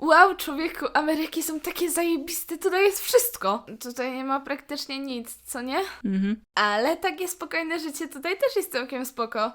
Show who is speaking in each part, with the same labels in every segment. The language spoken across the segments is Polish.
Speaker 1: Wow, człowieku, Ameryki są takie zajebiste, tutaj jest wszystko. Tutaj nie ma praktycznie nic, co nie? Ale takie spokojne życie tutaj też jest całkiem spoko.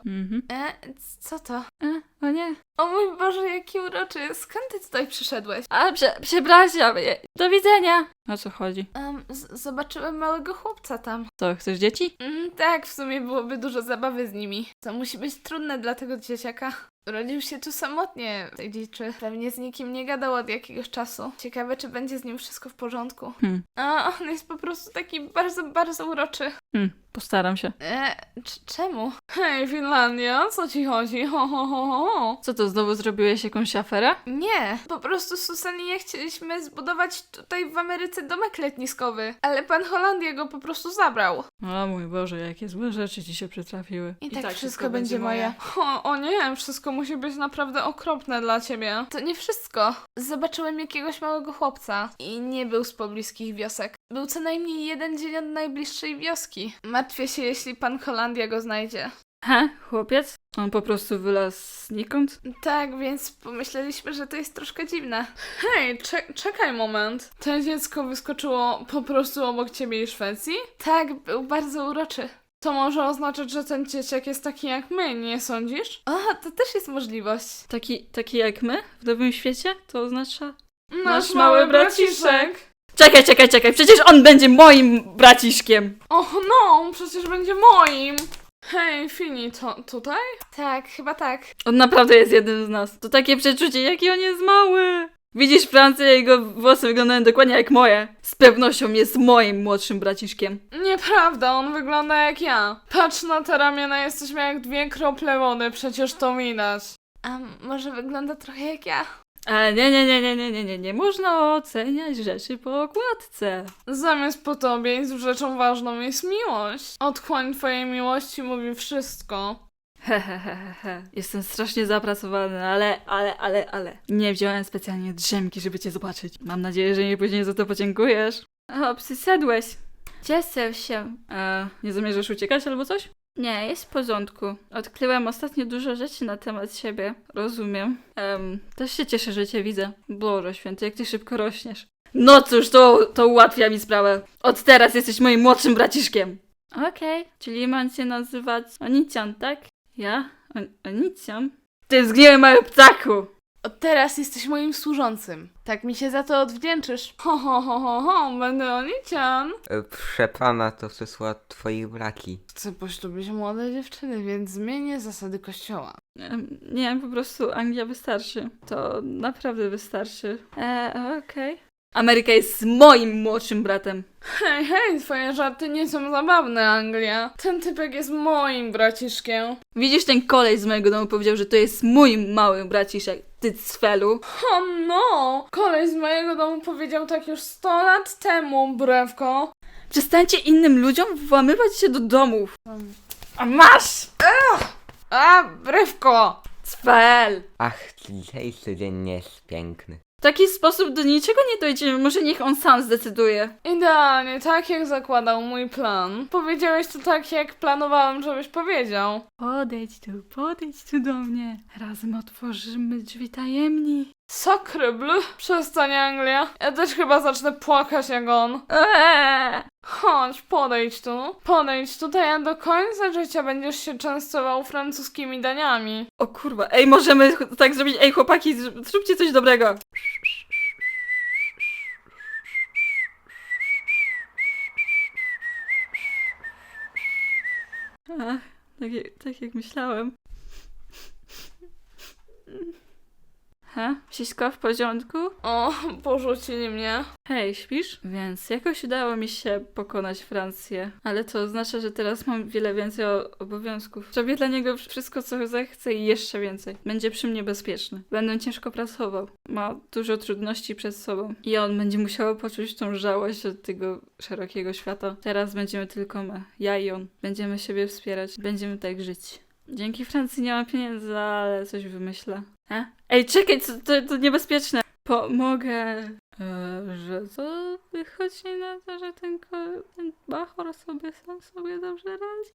Speaker 1: Co to?
Speaker 2: O nie.
Speaker 1: O mój Boże, jaki uroczy. Skąd ty tutaj przyszedłeś?
Speaker 2: A, przepraszam. Do widzenia. O co chodzi?
Speaker 1: Zobaczyłem małego chłopca tam.
Speaker 2: Co, chcesz dzieci?
Speaker 1: Tak, w sumie byłoby dużo zabawy z nimi. To musi być trudne dla tego dzieciaka. Urodził się tu samotnie, tej dziczy. Pewnie z nikim nie gadał od jakiegoś czasu. Ciekawe, czy będzie z nim wszystko w porządku. A on jest po prostu taki bardzo, bardzo uroczy.
Speaker 2: Postaram się.
Speaker 1: Czemu? Hej, Finlandia, o co ci chodzi? Ho.
Speaker 2: Co to, znowu zrobiłeś jakąś aferę?
Speaker 1: Nie, po prostu z Susan i ja chcieliśmy zbudować tutaj w Ameryce domek letniskowy, ale pan Holandia go po prostu zabrał.
Speaker 2: O mój Boże, jakie złe rzeczy ci się przytrafiły.
Speaker 1: I tak wszystko będzie moje. O nie, wszystko musi być naprawdę okropne dla ciebie. To nie wszystko. Zobaczyłem jakiegoś małego chłopca i nie był z pobliskich wiosek. Był co najmniej jeden dzień od najbliższej wioski. Martwię się, jeśli pan Holandia go znajdzie.
Speaker 2: Chłopiec? On po prostu wylazł znikąd?
Speaker 1: Tak, więc pomyśleliśmy, że to jest troszkę dziwne. Hej, czekaj moment. To dziecko wyskoczyło po prostu obok ciebie i Szwecji? Tak, był bardzo uroczy. To może oznaczać, że ten dzieciak jest taki jak my, nie sądzisz? O, to też jest możliwość.
Speaker 2: Taki jak my w Nowym Świecie? To oznacza...
Speaker 1: Nasz mały braciszek.
Speaker 2: Czekaj, przecież on będzie moim braciszkiem!
Speaker 1: Och no, przecież będzie moim. Hej, Fini, to tutaj? Tak, chyba tak.
Speaker 2: On naprawdę jest jednym z nas. To takie przeczucie, jaki on jest mały! Widzisz, Francję, jego włosy wyglądają dokładnie jak moje. Z pewnością jest moim młodszym braciszkiem.
Speaker 1: Nieprawda, on wygląda jak ja. Patrz na te ramiona, jesteśmy jak dwie krople wody, przecież to widać. A może wygląda trochę jak ja?
Speaker 2: Ale nie można oceniać rzeczy po okładce.
Speaker 1: Zamiast po tobie jest rzeczą ważną jest miłość. Otchłań twojej miłości mówi wszystko.
Speaker 2: Jestem strasznie zapracowany, ale. Nie wziąłem specjalnie drzemki, żeby cię zobaczyć. Mam nadzieję, że mi później za to podziękujesz. O, przyszedłeś. Cieszę się. Nie zamierzasz uciekać albo coś? Nie, jest w porządku. Odkryłem ostatnio dużo rzeczy na temat siebie. Rozumiem. Też się cieszę, że cię widzę. Boże święty, jak ty szybko rośniesz. No cóż, to ułatwia mi sprawę. Od teraz jesteś moim młodszym braciszkiem. Okej, czyli mam cię nazywać Onicjan, tak? Ja? Onicjan? Ty zgniły mały ptaku!
Speaker 1: Od teraz jesteś moim służącym. Tak mi się za to odwdzięczysz. Ho, będę Onician.
Speaker 3: Proszę pana, to przysła twoich braki.
Speaker 1: Chcę poślubić młode dziewczyny, więc zmienię zasady kościoła.
Speaker 2: Nie, po prostu Anglia wystarczy. To naprawdę wystarczy. Okej. Ameryka jest moim młodszym bratem.
Speaker 1: Hej, twoje żarty nie są zabawne, Anglia. Ten typek jest moim braciszkiem.
Speaker 2: Widzisz, ten koleś z mojego domu powiedział, że to jest mój mały braciszek. Ty cfelu.
Speaker 1: O no! Koleś z mojego domu powiedział tak już 100 lat temu, brewko.
Speaker 2: Przestańcie innym ludziom włamywać się do domów. A masz!
Speaker 1: Brewko!
Speaker 2: Cfel!
Speaker 3: Ach, dzisiejszy dzień nie jest piękny.
Speaker 2: W taki sposób do niczego nie dojdziemy. Może niech on sam zdecyduje.
Speaker 1: Idealnie, tak jak zakładał mój plan. Powiedziałeś to tak, jak planowałem, żebyś powiedział.
Speaker 2: Podejdź tu do mnie. Razem otworzymy drzwi tajemni.
Speaker 1: Sakrybl? Przestań, Anglia. Ja też chyba zacznę płakać jak on. Chodź, podejdź tu. Podejdź tutaj, a do końca życia będziesz się częstował francuskimi daniami.
Speaker 2: O kurwa, ej, możemy tak zrobić. Ej, chłopaki, zróbcie coś dobrego. Ach, tak jak myślałem. Wszystko w porządku?
Speaker 1: O, porzucili mnie.
Speaker 2: Hej, śpisz? Więc jakoś udało mi się pokonać Francję. Ale to oznacza, że teraz mam wiele więcej obowiązków. Zrobię dla niego wszystko, co zechce i jeszcze więcej. Będzie przy mnie bezpieczny. Będę ciężko pracował. Ma dużo trudności przed sobą. I on będzie musiał poczuć tą żałość od tego szerokiego świata. Teraz będziemy tylko my. Ja i on. Będziemy siebie wspierać. Będziemy tak żyć. Dzięki Francji nie mam pieniędzy, ale coś wymyślę. Ej, czekaj, to niebezpieczne. Pomogę. Że to wychodzi na to, że ten bachor sobie sam sobie dobrze radzi.